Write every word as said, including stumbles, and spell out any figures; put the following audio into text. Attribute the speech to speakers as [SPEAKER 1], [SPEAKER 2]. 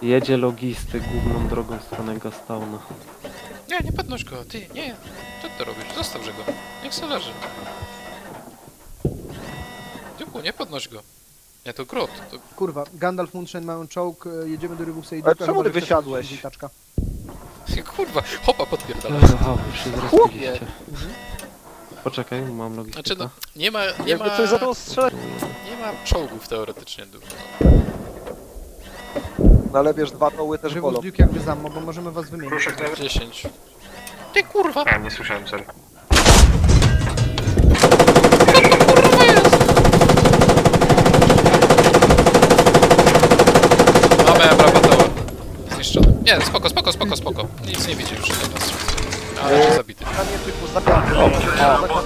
[SPEAKER 1] Jedzie logisty główną drogą w stronę Gastowna.
[SPEAKER 2] Nie, nie podnoś go, ty, nie. Co ty robisz? Zostawże go. Niech se leży. Dziuku, nie podnoś go. Nie, to grot. To...
[SPEAKER 3] Kurwa, Gandalf, Munchen mają czołg, e, jedziemy do Rybusa i
[SPEAKER 4] Ale
[SPEAKER 3] Duka,
[SPEAKER 4] czemu
[SPEAKER 3] chyba,
[SPEAKER 4] ty
[SPEAKER 3] że chcesz
[SPEAKER 4] wysiadłeś?
[SPEAKER 3] wrócić, taczka.
[SPEAKER 2] Kurwa, hopa podpierdala.
[SPEAKER 1] Aha, już się zrespiliście. Poczekaj, mam logistykę.
[SPEAKER 2] Znaczy no, nie ma, nie
[SPEAKER 4] Jakby
[SPEAKER 2] ma,
[SPEAKER 4] coś za to strzelać.
[SPEAKER 2] nie ma czołgów teoretycznie dużo.
[SPEAKER 4] No ale wiesz, dwa toły też
[SPEAKER 3] Rybus,
[SPEAKER 4] bolą.
[SPEAKER 3] Duke jakby za mną, bo możemy was wymienić.
[SPEAKER 5] Kruszek
[SPEAKER 2] No. dziesięć. Ty kurwa!
[SPEAKER 5] A, nie słyszałem, sorry.
[SPEAKER 2] Mamy Abrabatoła. Zniszczony. Nie, spoko, spoko, spoko, spoko. Nic nie widzi już teraz. Ale jest zabity.
[SPEAKER 4] A nie typu zabijamy. O,